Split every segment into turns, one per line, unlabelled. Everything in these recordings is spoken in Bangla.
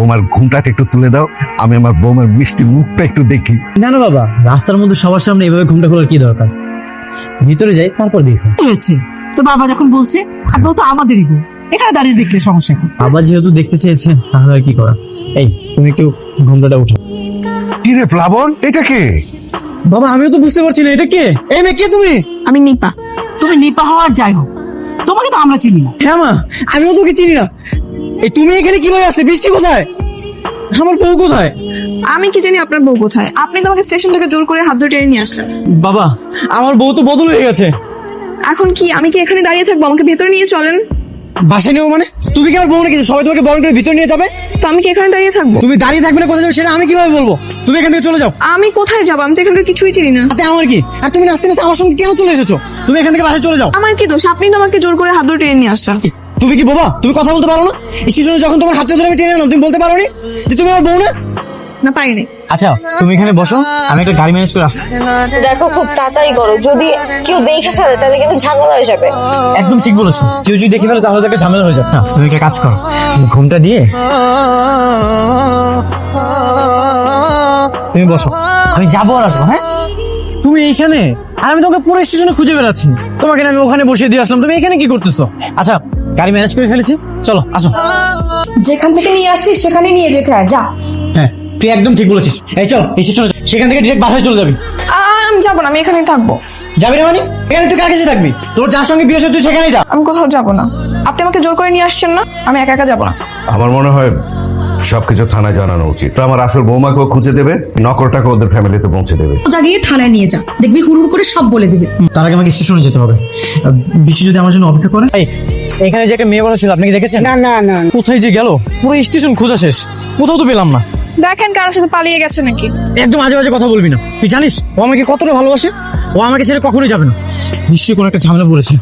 বৌমার ঘুমটাকে একটু তুলে দাও, আমি আমার বৌমার মিষ্টি মুখটা একটু দেখি।
না না বাবা, রাস্তার মধ্যে সবার সামনে এভাবে ঘুমটা খোলার কি দরকার? ভিতরে যাই, তারপর দেখো।
হয়েছে তো বাবা যখন বলছে, আপনি তো আমাদেরই গো, এখানে দাঁড়িয়ে দেখলে সমস্যা কি?
বাবা যেহেতু দেখতে চেয়েছে, তাহলে আর কি করা। এই তুমি একটু ঘুমটাটা উঠো।
কি রে প্লাবন, এটা কে?
বাবা আমিও তো বুঝতে পারছি না এটা কে। এই মেয়ে কে তুমি?
আমি নিপা।
তুমি নিপা হওয়ার যাই হোক, তোমাকে তো আমরা চিনি না।
হ্যাঁ মা, আমিও তোকে চিনি না। এই তুমি এখানে কিভাবে আসলে? বৃষ্টি কোথায়? আমার বউ কোথায়?
আমি কি জানি আপনার বউ কোথায়? আপনি তো আমাকে স্টেশন থেকে জোর করে হাত ধরে টেনে নিয়ে আসলেন।
বাবা আমার বউ তো বদল হয়ে গেছে।
এখন কি আমি কি এখানে দাঁড়িয়ে থাকবো? আমাকে ভেতরে নিয়ে চলেন।
বাসায় নেবো মানে? তুমি কি আমার বউ নাকি সবাই তোমাকে বরণ করে ভিতরে নিয়ে যাবে?
তো আমি কি এখানে দাঁড়িয়ে থাকবো?
তুমি দাঁড়িয়ে থাকবে না কোথায় যাবে সেটা আমি কিভাবে বলবো? তুমি এখান থেকে চলে যাও।
আমি কোথায় যাবো? আমি তো এখানকার কিছুই চিনি না।
তাতে আমার কি? আর তুমি নাচতে নাচতে আমার সঙ্গে কেন চলে এসেছো? তুমি এখান থেকে বাসায় চলে যাও।
আমার কি দোষ? আপনি তো আমাকে জোর করে হাত ধরে টেনে নিয়ে আসলেন।
তুমি কি বাবা? তুমি কথা বলতে পারো না? স্টেশনে যখন তোমার হাতটা ধরে আমি টেনে আনলাম, তুমি বলতে পারো নি যে তুমি আমার বউ না?
না পারিনি।
আচ্ছা তুমি এখানে বসো, আমি একটা গাড়ি ম্যানেজ করে আসছি।
দেখো খুব তাড়াতাড়ি করো, যদি কেউ দেখে ফেলে তাহলে কিন্তু ঝামেলা হয়ে যাবে।
একদম ঠিক বলেছো, কেউ যদি দেখে ফেলে তাহলে তো একটা ঝামেলা হয়ে যাবে। না তুমি একটা কাজ করো, ঘুমটা দিয়ে তুমি বসো, আমি যাবো আর আসবো। হ্যাঁ তুমি এইখানে, আর আমি তোমাকে পুরো স্টেশনে খুঁজে বেড়াচ্ছি, তোমাকে আমি ওখানে বসিয়ে দিয়ে আসলাম, তুমি এখানে কি করতেছো? আচ্ছা গাড়ি ম্যানেজ করে ফেলেছি, চলো আসো।
যেখান থেকে নিয়ে আসছিস সেখানে নিয়ে যেতে হয়, যা।
হ্যাঁ তুই একদম ঠিক বলেছিস। এই চল এই স্টেশনে, সেখান থেকে ডিরেক্ট বাসায় চলে যাবি।
আমি যাবো না, আমি এখানেই থাকবো।
যাবি না মানে? এখানে তুই কার কাছে থাকবি? তোর যার সঙ্গে বিয়ে হয়েছে তুই সেখানেই যা।
আমি কোথাও যাবো না। আপনি আমাকে জোর করে নিয়ে আসছেন না, আমি একা একা যাবো না।
আমার মনে হয় সবকিছু থানায় জানানো উচিত। তো আমার আসল বৌমাকেও খুঁজে দেবে, নকলটাকে ওদের ফ্যামিলিতে পৌঁছে দেবে।
জাগিয়ে থানায় নিয়ে যা, দেখবি হুড়ুর করে সব বলে দিবে।
তার আগে আমাকে স্টেশনে যেতে হবে। বৃষ্টি যদি আমার জন্য অপেক্ষা করে। এখানে যে একটা মেয়ে বড় ছিল, আপনি কি দেখেছেন?
না না না,
কোথায় যে গেল? পুরো স্টেশন খোঁজা শেষ, কোথাও তো পেলাম না।
দেখেন কারোর সাথে পালিয়ে গেছে নাকি।
একদম আজে বাজে কথা বলবি না। তুই জানিস ও আমাকে কতটা ভালোবাসে? ও আমাকে ছেড়ে কখনোই যাবে না। নিশ্চয়ই কোনো একটা ঝামেলা পড়েছে।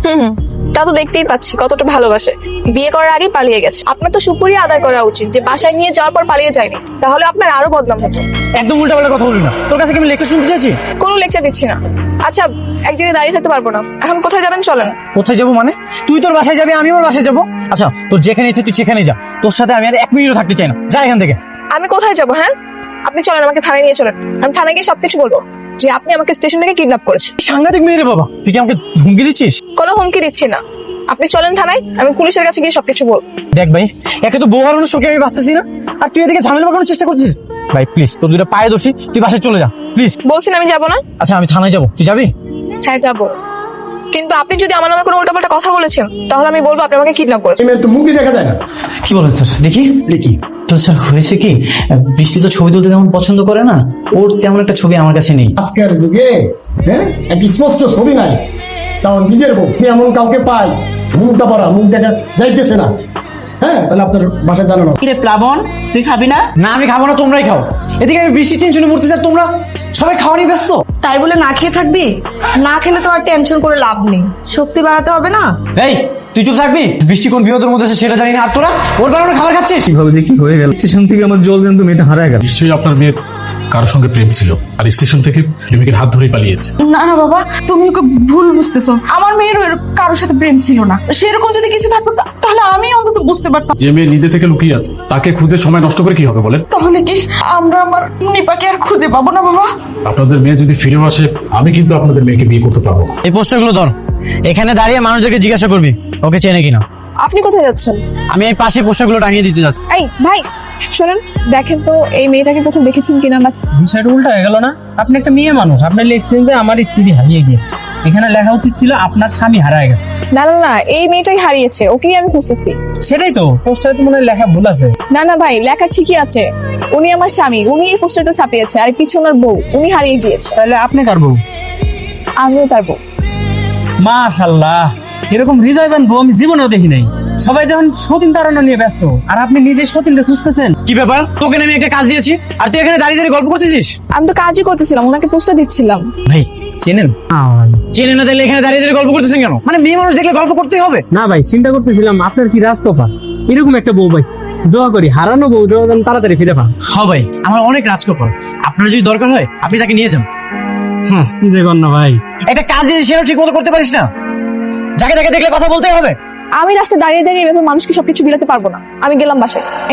তা তো দেখতেই পাচ্ছি কতটা ভালোবাসে। বিয়ে করার আগে পালিয়ে গেছে। আপনার তো সুপুরি আদায় করা উচিত যে বাসায় নিয়ে যাওয়ার পর পালিয়ে যায়নি, তাহলে আপনার আরো বদনাম হতো।
একদম উল্টা পাল্টা কথা বলবি না। তোর কাছে কি আমি লেকচার শুনতে চাইছি?
কোনো লেকচার দিচ্ছি না। আচ্ছা এক জায়গায় দাঁড়িয়ে থাকতে পারবো না, এখন কোথায় যাবেন চলেন।
কোথায় যাবো মানে? তুই তোর বাসায় যাবি, আমি ওর বাসায় যাবো। আচ্ছা তোর যেখানে ইচ্ছে তুই সেখানেই যা, তোর সাথে আমি আর এক মিনিটও থাকতে চাই না। যা এখান থেকে।
আমি কোথায় যাবো? হ্যাঁ আপনি চলেন, আমাকে থানায় নিয়ে চলেন। আমি থানায় গিয়ে সবকিছু বলবো যে আপনি আমাকে স্টেশন থেকে কিডন্যাপ করেছেন।
সাংঘাতিক মেয়ে রে বাবা, তুই কি আমাকে হুমকি দিচ্ছিস?
কোনো হুমকি দিচ্ছি না, আপনি চলেন থানায়, আমি পুলিশের কাছে গিয়ে সবকিছু বলবো।
দেখ ভাই, একে তো বউ হারানোর শোকে আমি বাঁচতেছি না, আর তুই এদিকে ঝামেলা পাকানোর চেষ্টা করছিস। ভাই প্লিজ, তোর দুটো পায়ে দোষী, তুই বাসায় চলে যা প্লিজ।
বলছেন আমি যাবো না?
আচ্ছা আমি থানায় যাবো, তুই যাবি?
হ্যাঁ যাবো, কিন্তু আপনি যদি আমার নামে কোনো উল্টাপাল্টা কথা বলেছেন তাহলে আমি বলবো আপনি আমাকে কিডন্যাপ করেছেন।
তো মুভি দেখা যায় না।
কি বলেন স্যার? দেখি দেখি তো স্যার, হয়েছে কি, বৃষ্টি তো ছবি তুলতে তেমন পছন্দ করে না, ওর তেমন একটা ছবি আমার কাছে নেই।
আজকের যুগে হ্যাঁ একটা স্পষ্ট ছবি নাই, তাও নিজের বউ এমন কাউকে পাই, মুখটা পড়া, মুখ দেখা যাইতেছে না। হ্যাঁ তাহলে আপনার বাসায় জানানো।
কিরে প্লাবন, তুই খাবি না?
না আমি খাবো না, তোমরাই খাও। এদিকে আমি বৃষ্টির টেনশনে মরতে চাই, তোমরা সবাই খাওয়া নিয়ে ব্যস্ত।
তাই বলে না খেয়ে থাকবি? না খেলে তো আর টেনশন করে লাভ নেই, শক্তি বাড়াতে হবে না।
এই তুই চুপ থাকবি? বৃষ্টি কোন বিপদের মধ্যে আছে সেটা জানি না, আর তোরা ওর বাড়ানো খাবার খাচ্ছিস। কিভাবে যে কি হয়ে গেল, স্টেশন থেকে আমার জল জানতো মেয়েটা হারায় গেল।
নিশ্চয়ই আপনার মেয়ের কারোর সঙ্গে প্রেম ছিল, আর স্টেশন থেকে প্রেমিকের হাত ধরেই পালিয়েছে।
না না বাবা, তুমি ওকে ভুল বুঝতেছো। আমার মেয়ের কারোর সাথে প্রেম ছিল না। সেরকম যদি কিছু থাকতো তাহলে আমি অন্তত বুঝতে পারতাম।
যে মেয়ে নিজে থেকে লুকিয়ে আছে তাকে খুঁজে সময় নষ্ট করে কি হবে বলেন?
তাহলে কি আমরা আমার নিপাকে আর খুঁজে পাবো না বাবা?
আপনাদের মেয়ে যদি ফিরে আসে, আমি কিন্তু আপনাদের মেয়েকে বিয়ে করতে পারবো না।
এই পোস্টারগুলো ধর, এখানে দাঁড়িয়ে মানুষদেরকে জিজ্ঞাসা করবি ওকে চেনে কিনা।
আপনি কোথায় যাচ্ছেন?
আমি এই পাশে পোস্টারগুলো টাঙিয়ে দিতে যাচ্ছি।
এই ভাই শোনেন, দেখেন তো এই মেয়েটাকে প্রথম দেখেছেন কিনা।
বিষয়টা উল্টা হয়ে গেল না? আপনি একটা মেয়ে মানুষ, আপনি লিখছেন যে আমার স্ত্রী হারিয়ে গিয়েছে, এখানে লেখা উচিত ছিল আপনার স্বামী হারায় গেছে।
না না না, এই মেয়েটাই হারিয়েছে, ওকেই আমি খুঁজতেছি।
সেটাই তো, পোস্টারে তো মনে হয় লেখা ভুল আছে।
না না ভাই, লেখা ঠিকই আছে। উনি আমার স্বামী, উনি এই পোস্টারটা ছাপিয়েছে, আর পিছনে ওনার বউ, উনি হারিয়ে গিয়েছে।
তাহলে আপনি কার বউ?
আমিও তার বউ।
মাশাআল্লাহ, এরকম হৃদয়বান বউ আমি জীবনেও দেখি নাই। সবাই যখন সতীন তাড়ানো নিয়ে ব্যস্ত, আর আপনি নিজে সতীনকে খুঁজতেছেন। কি ব্যাপার? তোকে আমি একটা কাজ দিয়েছি আর তুই এখানে দাঁড়িয়ে দাঁড়িয়ে গল্প করতেছিস?
আমি তো কাজই করতেছিলাম, ওনাকে পোস্টার দিচ্ছিলাম।
ভাই চেনেন? চেনেন না, তাহলে এখানে দাঁড়িয়ে দাঁড়িয়ে গল্প করতেছেন কেন? মানে মেয়ে মানুষ দেখলে গল্প করতেই হবে?
না ভাই, চিন্তা করতেছিলাম আপনার কি রাজকপা, এরকম একটা বউ ভাই। দোয়া করি হারানো বউ যেন তাড়াতাড়ি ফিরে পান।
হ্যাঁ ভাই, আমার অনেক রাজকপাল। আপনার যদি দরকার হয় আপনি তাকে নিয়ে যান।
কি যে কর না ভাই,
একটা কাজ দিয়ে সেও ঠিক মতো করতে পারিস না, যাকে তাকে দেখলে কথা বলতেই হবে।
আমি রাস্তায় দাঁড়িয়ে দাঁড়িয়ে এভাবে মানুষকে সবকিছু বিলাতে পারবো না। আমি গেলাম বাসায়। এই নেন।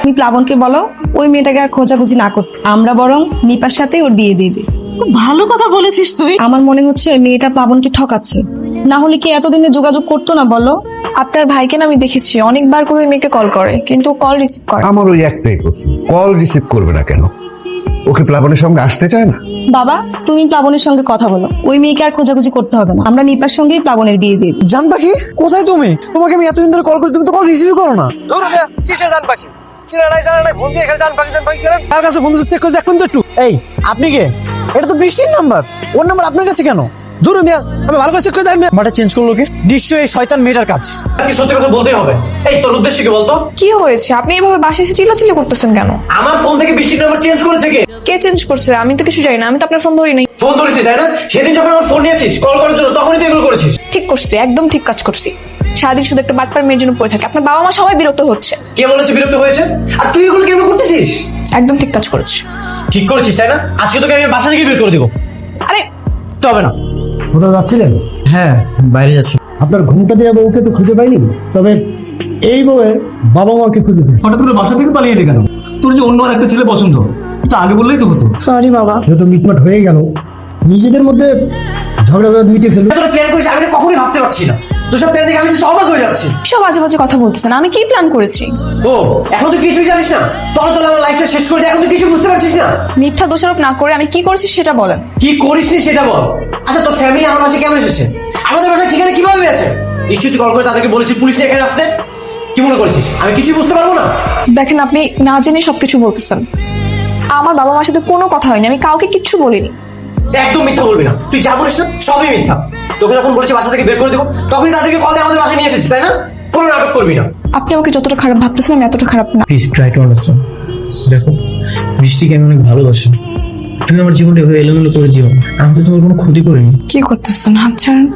তুমি প্লাবনকে বলো ওই মেয়েটাকে আর খোঁজাখুঁজি না করতে, আমরা বরং নিপার সাথে ওর বিয়ে দিয়ে দিই।
ভালো কথা বলেছিস তুই।
আমার মনে হচ্ছে মেয়েটা প্লাবনকে ঠকাচ্ছে, না হলে কি এতদিনে যোগাযোগ করতো না বলো?
আপনার ভাইকে না আমি দেখেছি অনেকবার করে ওই মেয়েকে কল করে, কিন্তু কল রিসিভ করে না।
আমার ওই একটাই প্রশ্ন, কল রিসিভ করবে না কেন? ওকে প্লাবনের সঙ্গে আসতে চায় না?
বাবা তুমি প্লাবনের সঙ্গে কথা বলো, ওই মেয়েকে আর খোঁজাখুঁজি করতে হবে না, আমরা নিপার সঙ্গেই প্লাবনের বিয়ে দিয়ে দিই।
জান পাখি কোথায় তুমি? তোমাকে আমি এতদিন ধরে কল করি, তুমি তো কল রিসিভ করো না। কিসে জান পাখি? চিনা নাই জানা নাই, ফোন দিয়ে এখানে জান পাখি গেলেন। তার কাছে বন্ধু চেক করে দেখবেন তো একটু। এই আপনি কে? এটা তো বৃষ্টির নাম্বার, ওর নাম্বার আপনার কাছে কেন? দূর মিয়া, আমি ভালো করে চেক করে দেখি। নাম্বারটা চেঞ্জ করলো কে? নিশ্চয়ই এই শয়তান মেয়েটার কাজ। আজকে সত্যি কথা বলতেই হবে। এই তোর উদ্দেশ্য কি বলতো?
কি হয়েছে? আপনি এভাবে বাসায় এসে চিল্লাচিল্লি করতেছেন কেন?
আমার ফোন থেকে বৃষ্টির নাম্বার চেঞ্জ করেছে কে?
কে চেঞ্জ করছে? আমি তো কিছু জানি না, আমি তো আপনার ফোন ধরি নাই।
ফোন ধরেছিস তাই না? সেদিন যখন আমার ফোন নিয়েছিস কল করার জন্য, তখনই তুই এগুলো করেছিস।
ঠিক করছি, একদম ঠিক কাজ করছি। সারাদিন শুধু একটা বাটপার মেয়ের জন্য পড়ে থাকে, আপনার বাবা মা সবাই বিরক্ত হচ্ছে।
কে বলেছে বিরক্ত হয়েছে? আর তুই এগুলো কেন করতেছিস?
একদম ঠিক কাজ করেছি।
ঠিক করেছিস তাই না? আজকে তোকে আমি বাসা থেকে বের করে দেবো।
আরে
তো হবে না।
কোথাও যাচ্ছিলেন?
হ্যাঁ বাইরে যাচ্ছি।
আপনার ঘুমটা দেওয়া বউকে তো খুঁজে পাইনি, তবে এই বউয়ের বাবা মাকে খুঁজে পাই।
হঠাৎ করে বাসা থেকে পালিয়ে এলি কেন? তোর যে অন্য আর একটা ছেলে পছন্দ, এটা আগে বললেই তো হতো।
সরি বাবা।
যেহেতু মিটমাট হয়ে গেল, নিজেদের মধ্যে ঝগড়া বিবাদ মিটিয়ে ফেলবে।
তোরা প্ল্যান করিস আমি কখনোই ভাবতে পারছি না। তোর সব প্ল্যান দেখে আমি তো অবাক হয়ে যাচ্ছি।
সব বাজে বাজে কথা বলতেছেন, আমি কি প্ল্যান করেছি?
ও এখন তুই কিছুই জানিস না? তখন তো আমার লাইফটা শেষ করে দিয়ে এখন তুই কিছু বুঝতে পারছিস না।
মিথ্যা দোষারোপ না করে আমি কি করেছি সেটা বলেন।
কি করিস নি সেটা বল। আচ্ছা তোর ফ্যামিলি আমার বাসায় কেমন এসেছে? আমাদের বাসায় ঠিকানা কিভাবে আছে? নিশ্চয়ই তুই কল করে তাদেরকে বলেছিস পুলিশ নিয়ে এখানে আসতে। কি মনে করছিস আমি কিছুই বুঝতে পারবো না?
দেখেন আপনি না জেনে সবকিছু বলতেছেন। আমার বাবা মার সাথে কোনো কথা হয়নি, আমি কাউকে কিচ্ছু বলিনি।
একদম মিথ্যা বলবি না, তুই যা বলিস না সবই মিথ্যা। তোকে যখন বলেছি বাসা থেকে বের করে দেবো, তখনই তাদেরকে কল দিয়ে আমাদের বাসায় নিয়ে এসেছিস তাই না? কোনো নাটক করবি না।
আপনি আমাকে যতটা খারাপ ভাবতেছেন আমি এতটা খারাপ না।
Please try to understand. দেখো বৃষ্টিকে আমি অনেক ভালোবাসি, তুমি আমার জীবনটা এভাবে এলোমেলো করে দিও না। আমি তো তোমার কোনো ক্ষতি করিনি।
কি করতেছেন? হাত ছাড়েন।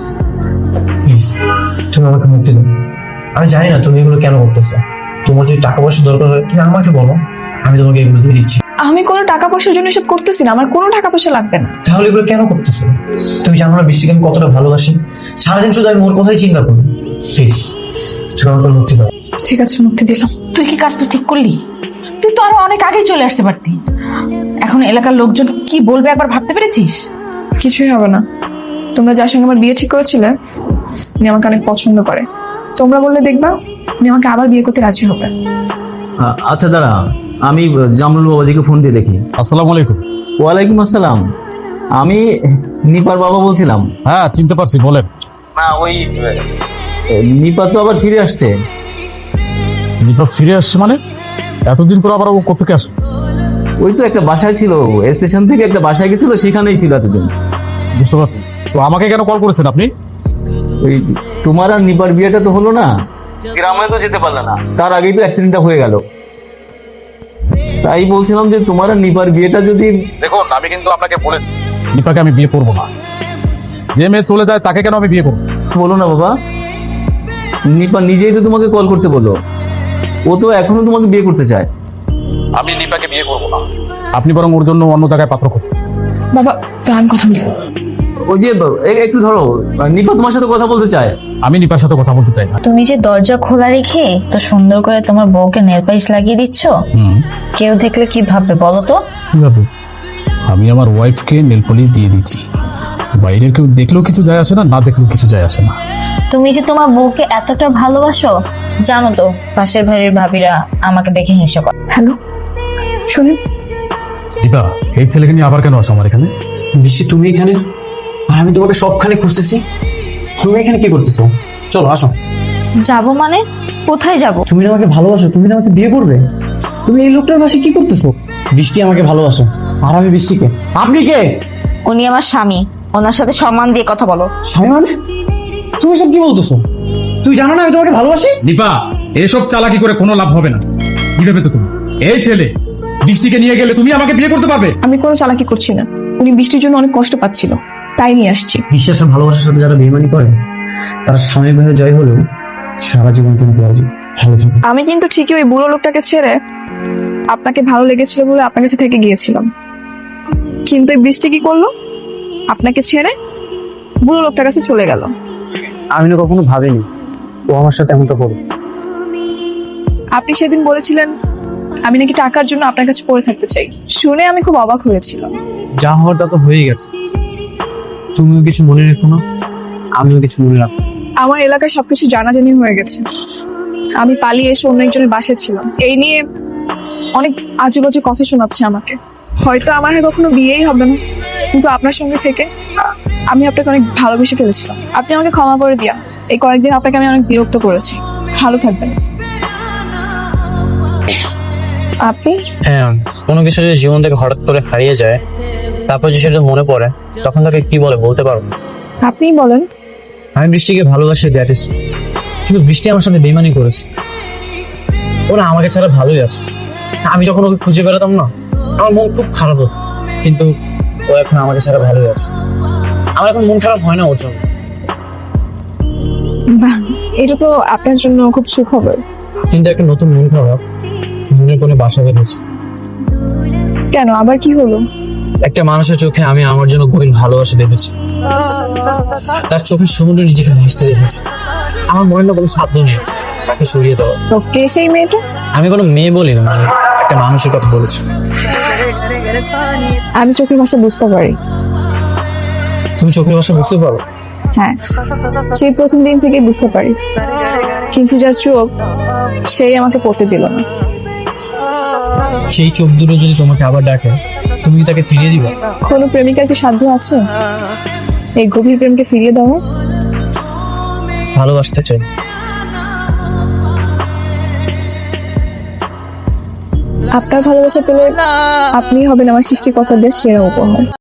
প্লিজ তুমি আমাকে মুক্তি দাও। আমি জানি না তুমি এগুলো কেন করতেছো। তোমার যদি টাকা পয়সা দরকার হয় তুমি আমাকে বলো, আমি তোমাকে এগুলো দিয়ে দিচ্ছি।
আমি কোনো টাকা পয়সার জন্য এসব করতেছি না, আমার কোনো টাকা পয়সা লাগবে না।
তাহলে এগুলো কেন করতেছো? তুমি জানো না বৃষ্টিকে আমি কতটা ভালোবাসি? সারাদিন শুধু আমি ওর কথাই চিন্তা করি। প্লিজ তুমি আমাকে মুক্তি দাও।
ঠিক আছে মুক্তি দিলাম।
তুই কি কাজটা ঠিক করলি? তুই তো আরো অনেক আগেই চলে আসতে পারতি। এখন এলাকার লোকজন কি বলবে একবার ভাবতে পেরেছিস?
কিছুই হবে না। তোমরা যার সঙ্গে আমার বিয়ে ঠিক করেছিলে উনি আমাকে অনেক পছন্দ করে। তোমরা বললে দেখবা উনি আমাকে আবার বিয়ে করতে রাজি হবে।
আচ্ছা দাঁড়া, আমি জামরুল বাবাজিকে ফোন দিয়ে দেখি।
আসসালামু আলাইকুম।
ওয়ালাইকুম আসসালাম, আমি নিপার বাবা বলছিলাম।
হ্যাঁ চিনতে পারছি, বলেন।
না ওই নিপা তো আবার ফিরে আসছে।
নিপা ফিরে আসছে মানে? এতদিন পর আবার ও কোথেকে আসবে?
ওই তো একটা বাসায় ছিল, স্টেশন থেকে একটা বাসায় গেছিল, সেখানেই ছিল এতদিন।
বুঝতে পারছি। তো আমাকে কেন কল করেছেন আপনি?
ওই তোমার আর নিপার বিয়েটা তো হলো না, গ্রামে তো যেতে পারলে না, তার আগেই তো অ্যাক্সিডেন্টটা হয়ে গেল। তাই বলছিলাম যে তোমার আর নিপার বিয়েটা যদি।
দেখুন আমি কিন্তু আপনাকে বলেছি নিপাকে আমি বিয়ে করবো না। যে মেয়ে চলে যায় তাকে কেন আমি বিয়ে করবো?
বলো না বাবা, নিপা নিজেই তো তোমাকে কল করতে বললো, ও তো এখনো তোমাকে বিয়ে করতে চায়।
আমি নিপাকে বিয়ে করবো না, আপনি বরং ওর জন্য অন্য জায়গায় পাত্র খুঁজুন।
বাবা তো আমি কথা বলবো।
ওই যে একটু ধরো, নিপা তোমার সাথে কথা বলতে চায়।
আমি নিপার সাথে কথা বলতে চাই না।
তুমি যে দরজা খোলা রেখে তো সুন্দর করে তোমার বউকে নেল পালিশ লাগিয়ে দিচ্ছ, কেউ দেখলে কি ভাববে বলো তো?
কিভাবে? আমি আমার ওয়াইফকে নেল পলিশ দিয়ে দিচ্ছি, বাইরের কেউ দেখলেও কিছু যায় আসে না, না দেখলেও কিছু যায় আসে না।
তুমি যে তোমার বউকে এতটা ভালোবাসো জানো তো, পাশের বাড়ির ভাবিরা আমাকে দেখে হিংসা করে।
হ্যালো শুনুন।
নিপা এই ছেলেকে নিয়ে আবার কেন আসো আমার এখানে?
বৃষ্টি তুমি এখানে আর আমি তোমাকে সবখানে খুঁজতেছি, তুমি এখানে কি করতেছো? চলো আসো।
যাবো মানে? কোথায় যাব?
তুমি না আমাকে ভালোবাসো, তুমি না আমাকে বিয়ে করবে। তুমি এই লোকটার পাশে কি করতেছো? বৃষ্টি আমাকে ভালোবাসো আর আমি বৃষ্টিকে। আপনি কে?
উনি আমার স্বামী, ওনার সাথে সম্মান দিয়ে কথা বলো।
স্বামী মানে? তুমি সব কি বলতেছো? তুই জানো না আমি তোমাকে ভালোবাসি?
নিপা এসব চালাকি করে কোনো লাভ হবে না। কি ভেবেছো তুমি? এই ছেলে বৃষ্টিকে নিয়ে গেলে তুমি আমাকে বিয়ে করতে পারবে?
আমি কোনো চালাকি করছি না, উনি বৃষ্টির জন্য অনেক কষ্ট পাচ্ছিল তাই নিয়ে আসছি।
বিশ্বাস আর ভালোবাসার সাথে যারা বেইমানি করে তারা সাময়িকভাবে জয় হলেও সারা জীবন জন্য ভালো থাকে।
আমি কিন্তু ঠিকই ওই বুড়ো লোকটাকে ছেড়ে আপনাকে ভালো লেগেছিল বলে আপনার কাছে থেকে গিয়েছিলাম, কিন্তু এই বৃষ্টি কি করলো? আপনাকে ছেড়ে বুড়ো লোকটার কাছে চলে গেল।
আমি না কখনো ভাবিনি ও আমার সাথে এমনটা করবে।
আপনি সেদিন বলেছিলেন আমি নাকি টাকার জন্য আপনার কাছে পড়ে থাকতে চাই। শুনে আমি খুব অবাক হয়েছিলাম।
যা হওয়ার তা তো হয়ে গেছে, তুমিও কিছু মনে রেখো না, আমিও কিছু মনে রাখবো।
আমার এলাকায় সবকিছু জানাজানি হয়ে গেছে। আমি পালিয়ে এসে অন্য একজনের বাসায় ছিলাম। এই নিয়ে অনেক আজে বাজে কথা শোনাচ্ছে আমাকে। হয়তো আমার আর কখনো বিয়েই হবে না, কিন্তু আপনার সঙ্গে থেকে আমি আপনাকে অনেক ভালোবেসে ফেলেছিলাম। আপনি আমাকে ক্ষমা করে দিয়া। এই কয়েকদিন আপনাকে আমি অনেক বিরক্ত করেছি। ভালো থাকবেন। আপনি
হ্যাঁ, কোনো কিছু যদি জীবন থেকে হঠাৎ করে হারিয়ে যায়, তারপর যদি সেটা মনে পড়ে, তখন তাকে কি বলে বলতে পারো?
আপনিই বলেন।
আমি বৃষ্টিকে ভালোবাসি, দ্যাট ইজ, কিন্তু বৃষ্টি আমার সাথে বেইমানি করেছে। ওরা আমাকে ছাড়া ভালোই আছে। আমি যখন ওকে খুঁজে বেড়াতাম না, আমার মন খুব খারাপ হতো, কিন্তু ও এখন আমাকে ছাড়া ভালোই আছে। আমার এখন মন খারাপ হয় না ওর জন্য।
বাহ, এটা তো আপনার জন্য খুব সুখবর।
কিন্তু একটা নতুন মন খারাপ মনের কোণে বাসা বেঁধেছে।
কেন, আবার কি হলো?
একটা মানুষের চোখে আমি আমার জন্য গভীর ভালোবাসা দেখেছি। তার চোখের সমুদ্রে নিজেকে ভাসতে দেখেছি। আমার মনে না কোনো সাধ্য নেই তাকে সরিয়ে দেওয়া।
তো কে সেই মেয়েটা?
আমি কোনো মেয়ে বলি না, মানে একটা মানুষের কথা বলেছি।
আমি চোখের ভাষা বুঝতে পারি।
তুমি চোখের ভাষা বুঝতে পারো?
হ্যাঁ, সেই প্রথম দিন থেকে বুঝতে পারি, কিন্তু যার চোখ সেই আমাকে পড়তে দিল না।
সেই চোখ দুটো যদি তোমাকে আবার ডাকে, তুমি কি তাকে ফিরিয়ে দিবে?
কোনো প্রেমিকার কি সাধ্য আছে এই গভীর প্রেমকে ফিরিয়ে দেওয়া?
ভালোবাসতে চাই।
আপনার ভালোবাসা পেলে আপনি হবেন আমার সৃষ্টিকর্তাদের সেরা উপহার।